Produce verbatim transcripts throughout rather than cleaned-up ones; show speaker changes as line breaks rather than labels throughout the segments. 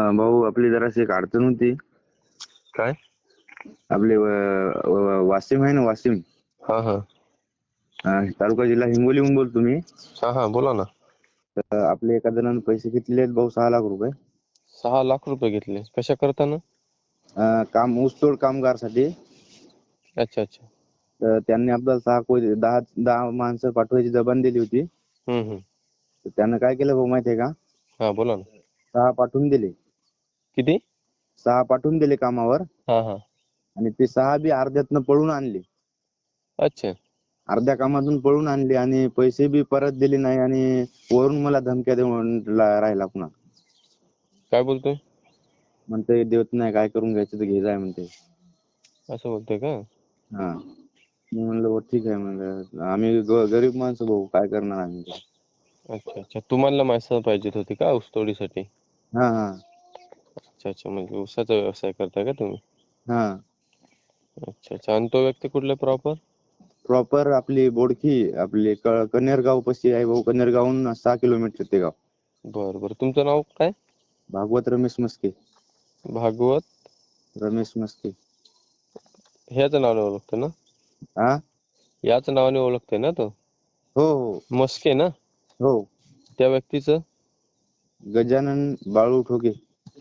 भाऊ आपली जराशी एक अडचण होती.
काय?
आपले व- व- वाशिम आहे ना, वाशिम
हा हा
अं, तालुका जिल्हा हिंगोलीहून बोलतो मी.
हा हा बोला ना.
तर आपले एका जणांनी पैसे घेतलेले आहेत भाऊ, सहा लाख रुपये.
सहा लाख रुपये घेतले कशा करताना?
अं, काम ऊसतोड कामगारसाठी.
अच्छा अच्छा.
तर त्यांनी आपल्याला सहा कोटी दहा दहा माणसं पाठवायची जबान दिली होती.
हम्म हम्म
तर त्यानं काय केलं भाऊ माहिती आहे का?
हा बोला ना.
सहा पाठवून दिले.
किती?
सहा पाठवून दिले कामावर.
हा हा
आणि ते सहा बी अर्ध्यातनं पळून आणले.
अच्छा.
अर्ध्या कामातून पळून आणले आणि पैसे बी परत दिले नाही आणि वरून मला धमक्या देऊन ला- राहिला पुन्हा.
काय बोलतोय?
म्हणते देत नाही, काय करून घ्यायचं तर घे जाय म्हणते.
असं बोलतोय का?
हा. मी म्हणलं भाऊ ठीक आहे, म्हणलं आम्ही ग- गरीब माणसं भाऊ, काय करणार आम्ही ते.
अच्छा अच्छा. तुम्हाला माणसं पाहिजेत होती का ऊसतोडीसाठी?
हा हा
अच्छा अच्छा. म्हणजे ऊसाचा व्यवसाय करताय का तुम्ही?
हा.
अच्छा अच्छा. आणि तो व्यक्ती कुठला प्रॉपर?
प्रॉपर आपली बोडखी, आपली क- कन्हेरगाव पाशी आहे भाऊ. कन्हेरगावहून सहा किलोमीटर ते गाव.
बरं बरं. तुमचं नाव काय?
भागवत रमेश मस्के.
भागवत
रमेश मस्के.
ह्याच नावाने ओळखतो ना?
हा.
याच नावाने ओळखतोय ना तो?
हो हो
मस्के ना?
हो.
त्या व्यक्तीचं?
गजानन बाळू ठोके.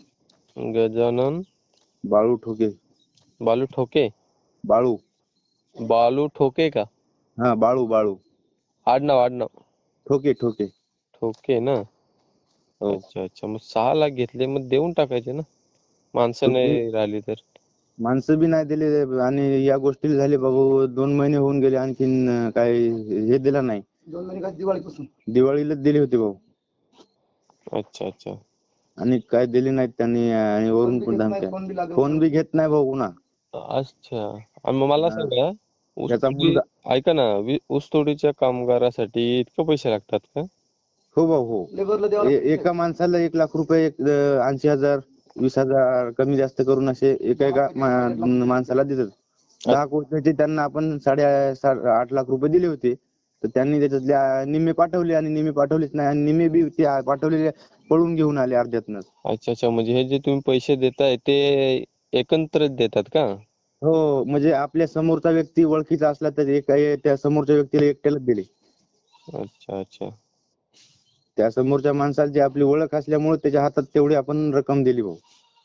गजानन
बाळू ठोके.
बालू ठोके.
बाळू.
बालू ठोके का?
हा बाळू बाळू.
आडनाव आडनाव.
ठोके ठोके.
ठोके ना?
हो.
अच्छा अच्छा. मग सहा लाख घेतले, मग देऊन टाकायचे ना, माणसं
तुम्ही
नाही राहिली तर.
माणसं बी नाही दिले आणि या गोष्टीला झाले बाबू दोन महिने होऊन गेले, आणखीन अं, काही हे दिलं नाही. दोन महिने का दिवाळीपासून दिवाळीलाच दिले होते भाऊ.
अच्छा अच्छा.
आणि काय दिले नाहीत त्यांनी आणि वरून पण धमक्या. फोन बी घेत नाही भाऊ पुन्हा.
अच्छा. आणि मग मला
हा.
सांगा,
त्याचा
ऊसतोडी
मुलगा.
ऐका ना, वी- ऊसतोडीच्या कामगारासाठी इतके पैसे लागतात का?
हो भाऊ हो. ए- एका माणसाला एक लाख रुपये, एक ऐंशी हजार, वीस हजार कमी जास्त करून असे एका एका मा- माणसाला देतात. दहा कोटीचे त्यांना आपण साडे सा- आठ लाख रुपये दिले होते. तर त्यांनी त्याच्यातले निम्मे पाठवले आणि निम्मे पाठवलेच नाही आणि निम्मे बी ते पाठवलेले पळून घेऊन आले अर्ध्यातनच.
अच्छा अच्छा. म्हणजे हे जे तुम्ही पैसे देताय ते एकत्रित देतात का?
हो. म्हणजे आपल्या समोरचा व्यक्ती ओळखीचा असला तर एक त्या समोरच्या व्यक्तीला एकट्यालाच दिले.
अच्छा अच्छा.
त्या समोरच्या माणसाला जी आपली ओळख असल्यामुळे त्याच्या हातात तेवढी आपण रक्कम दिली भाऊ.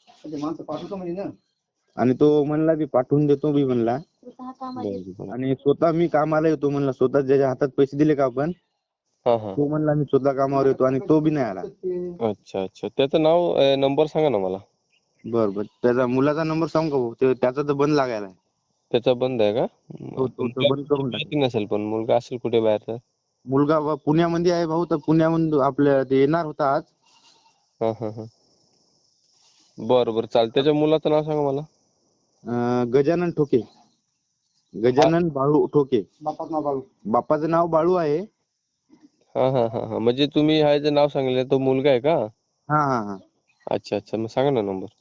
आणि तो म्हणला की पाठवून देतो बी म्हणला.
बरं बरं.
आणि स्वतः मी कामाला येतो म्हणला. स्वतः ज्याच्या हातात पैसे दिले का आपण,
हा हा.
तो म्हणला मी स्वतः कामावर येतो आणि तो बी नाही आला.
अच्छा अच्छा. त्याचं नाव अं, नंबर सांगा ना मला.
बर बर. त्याचा मुलाचा नंबर सांगू का भाऊ? ते- त्याचा तर बंद लागायला.
त्याचा बंद आहे का?
तो तो तर बंद करून टाक.
माहिती नसेल, पण मुलगा असेल कुठे बाहेर तर.
मुलगा व- पुण्यामध्ये आहे भाऊ. तर पुण्याहून आपल्या ते येणार होता आज.
हा हा हा. बरं बरं चालेल. त्याच्या मुलाचं नाव सांगा मला.
अं, गजानन ठोके. गजानन बाळू ठोके. बापाचं नाव बाळू. बापाचं नाव बाळू आहे.
हा हा हा हा. म्हणजे तुम्ही हा जे नाव सांगितलं तो मुलगा आहे का?
हा हा हा.
अच्छा अच्छा. मग सांगा ना नंबर.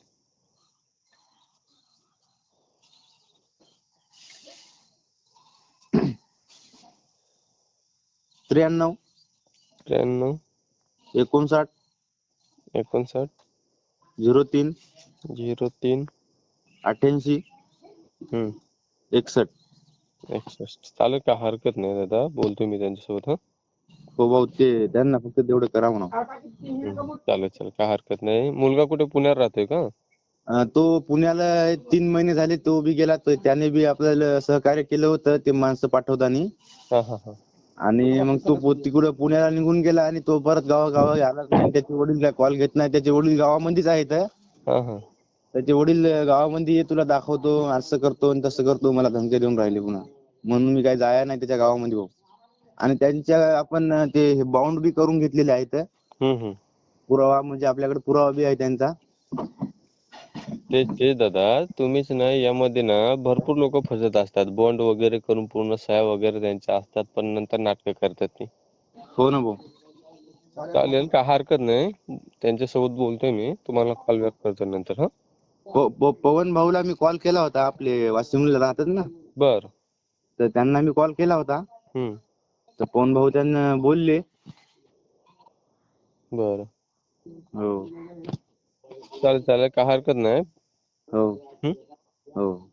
त्र्याण्णव
त्र्याण्णव
एकोणसाठ
एकोणसाठ
झिरो तीन
झिरो तीन
अठ्ठ्याऐंशी
हम्म
एकसष्ट.
एकसष्ट. चालेल का? हरकत नाही दादा, बोलतो मी त्यांच्यासोबत. हा
हो भाऊ, ते त्यांना फक्त तेवढं करा म्हणा.
हम्म. चालेल चालेल, काय हरकत नाही. मुलगा कुठे पुण्यात राहतोय का?
अं, तो पुण्याला तीन महिने झाले तो बी गेला. तर त्याने बी आपल्याला सहकार्य केलं होतं ते माणसं पाठवताना.
हा हा हा.
आणि मग तो पो- तिकडं पुण्याला निघून गेला आणि तो परत गावागावा आलाच नाही. त्याचे वडील काय कॉल घेत नाही. त्याचे वडील गावामध्येच आहेत.
हा हा.
त्याचे वडील गावामध्ये ये, तुला दाखवतो, असं करतो आणि तसं करतो, मला धमक्या देऊन राहिले पुन्हा. म्हणून मी काही जाया नाही त्याच्या गावामध्ये भाऊ. आणि त्यांच्या आपण ते बाउंड बी करून घेतलेले आहेत.
हम्म हम्म.
पुरावा म्हणजे आपल्याकडे पुरावा बी आहे त्यांचा.
ते ते दादा, तुम्हीच ना यामध्ये ना भरपूर लोक फसत असतात. बॉन्ड वगैरे करून पूर्ण सह्या वगैरे त्यांच्या असतात, पण नंतर नाटकं करतात ती.
हो ना भाऊ.
चालेल, काय हरकत नाही. त्यांच्यासोबत बोलतोय मी. तुम्हाला कॉल बॅक करतो नंतर. हा
प- प- पवन भाऊला मी कॉल केला होता. आपले वाशिमला राहतात ना,
बर.
तर त्यांना मी कॉल केला होता.
हम्म.
तर पवन भाऊ त्यांना बोलले.
बर.
हो.
चालेल चालेल काय हरकत नाही.
हो
हं?
हो